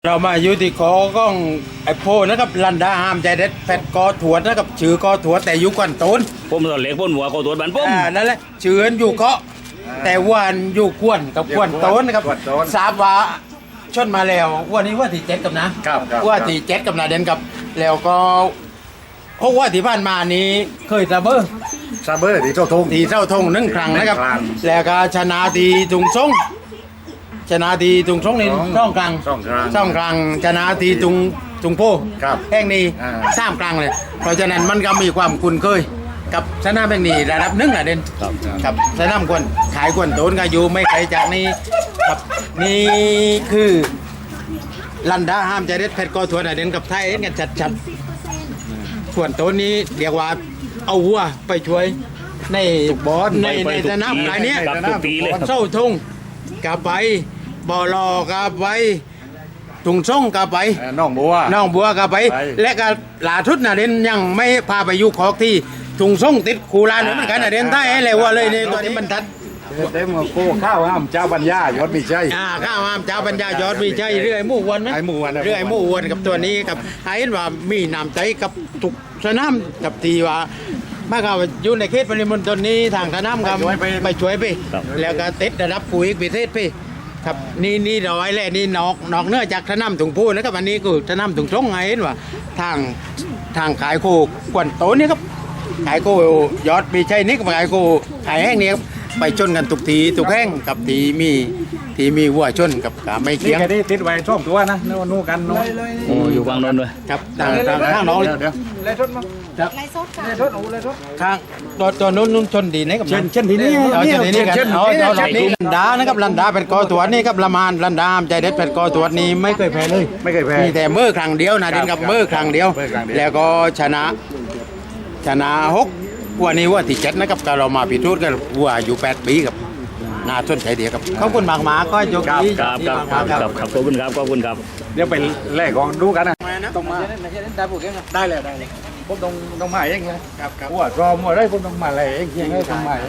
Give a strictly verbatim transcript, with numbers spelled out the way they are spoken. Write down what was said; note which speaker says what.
Speaker 1: เรามาอยู่ที่ขอก้องไอ้โพนะครับลันดาห้ามใจเด็ดแฟดกอถวดนะครับชื่อกอถวดแต่อยู่ก่อนต้น
Speaker 2: ผมตอนเล็กพ่นหัวก็ตัวบันผม
Speaker 1: อ่านั่นแหละชื่ออยู่เกาะแต่วานอยู่ควนกับควนต้นนะครับทราบว่าชนมาแล้ววันนี้ว่าที่เจ็ดกับนะครับ
Speaker 3: ครับ
Speaker 1: ว่าที่เจ็ดกับนาเดนกับแล้วก็เพราะว่าที่ผ่านมานี้เคยตะเบอร์
Speaker 3: ซาเบอร์ที่เจ้าทง
Speaker 1: ตีเท่าทงหนึ่งครั้งนะครับ
Speaker 3: หนึ่งครั้ง
Speaker 1: แล้วก็ชนะตีตุงซงชนะตีตุงซงใน
Speaker 3: สอง
Speaker 1: ช่องกลาง
Speaker 3: สองครั้ง
Speaker 1: ช่องกลางชนะตีตุงตุงโพ
Speaker 3: ครับ
Speaker 1: แห่งนี้
Speaker 3: อ่า
Speaker 1: สามครั้งเลย เพราะฉะนั้นมันก็มีความคุ้นเคยกับชนะแห่งนี้ระดับหนึ่งนะเด่น
Speaker 2: ครับ
Speaker 1: กับชนะควรขายควรโตนก็อยู่ไม่ไกลจากนี้ครับนี่คือลันดาห้ามใจเด็ดเพชรกอถวนนะเด่นกับไทยเอ็นกันชัดๆส่วนโตนนี้เรียกว่าเอาวัวไปช่วยใน
Speaker 3: บอล
Speaker 1: ในในสนามรายเนี้ย
Speaker 2: ครับทุกปีเลยครับ
Speaker 1: เศร้าทงกลับไปบ่อรอกลับไปถุงส่งกลับไป
Speaker 3: เอ่อน้องบัว
Speaker 1: น้องบัวกลับไป
Speaker 3: ไป
Speaker 1: และก็หลาทุดนะเด่นยังไม่พาไปอยู่ขอกที่ถุงส่งติดคูลานเหมือนกันนะเด่นใต้ให้เลยว่าเลยในตัวนี้บรรทัด
Speaker 3: เต็มกับโก้ข้าวห้ามเจ้าบรรยายศมีใช่
Speaker 1: อ่าข้าวหามเจ้าปัญญายอดมีใจเรื่อยหมู่วันไหม
Speaker 3: ไอ้หมู่วันนะ
Speaker 1: เรื่อยหมู่วันกับตัวนี้กับให้เห็นว่ามีน้ำใจกับทุกสนามกับทีว่ามาเขาอยู่ในเขตปริมณฑลนี้ทางสนามครับไปช่วยไป
Speaker 2: ครับ
Speaker 1: แล้วก็ติดระดับปุ๋ยพิเศษไปครับนี่นี่เราไว้แล้วนี่นอกนอกเหนื้อจากสนามถุงพูนะครับอันนี้คือสนามถุงทงไงเห็นว่าทางทางขายโคกวนโตนี่ครับขายโคยอดมีใช่นี่กับขายโคขายแห้งนี่ครับไปชนกันทุกทีทุกแห้งกับทีมีทีมีวัวชนกับขาไม่
Speaker 3: นี่
Speaker 1: เคียง
Speaker 3: แค่นี้ติดไว้ช่วงตัวนะนู่นนู่นกันนู่น
Speaker 2: โอ้อยู่ฝั่งโน้นด้วย
Speaker 1: ครับทางทางข้างน้อง
Speaker 3: เดี๋ยวเดี๋ยว
Speaker 4: เลยทดมั้ง
Speaker 1: ครับ
Speaker 4: เลยทดค่ะเลยทดโอ้เลยทด
Speaker 1: ข้างตัวตัวนู้นนู้นชนดีนะกับ
Speaker 3: เช่นเช่นทีนี้
Speaker 1: เอาชนดีนี่กัน
Speaker 3: เช่น
Speaker 1: เอาเอา
Speaker 3: เช่
Speaker 1: เอา
Speaker 3: น
Speaker 1: นี่ลันดานะครับลันดาเป็นกอตรวจนี่ครับละมานลันดาใจเด็ดเป็นกอตรวจนี่ไม่เคยแพ้เลย
Speaker 3: ไม่เคยแพ้
Speaker 1: มีแต่เมื่อครั้งเดียวนะเด่นกับ
Speaker 3: ครับ
Speaker 1: เมื่อครั้งเดียว
Speaker 3: เมื่อครั้งเดียว
Speaker 1: แล้วก็ชนะ ชนะหกวันนี้ว่าที่เจ็ดนะครับก็เรามาพิจูดกันวัวอยู่แปดปีครับน่าสนใจเดียวครับขอบคุณมากๆก็ยกดี
Speaker 2: ครับครับครับครับครับขอบคุณครับขอบคุณครับ
Speaker 3: เดี๋ยวไปแลกของดูกันนะ
Speaker 1: ต้องมา
Speaker 4: ได้ปุ๊บยังไง
Speaker 3: ได้เลยได้เลยผมต้องต้องมาเองเลย
Speaker 1: ครับครับ
Speaker 3: หัวรอมหัวได้ผมต้องมาอะไรเองเพียงให้ผมมาเอง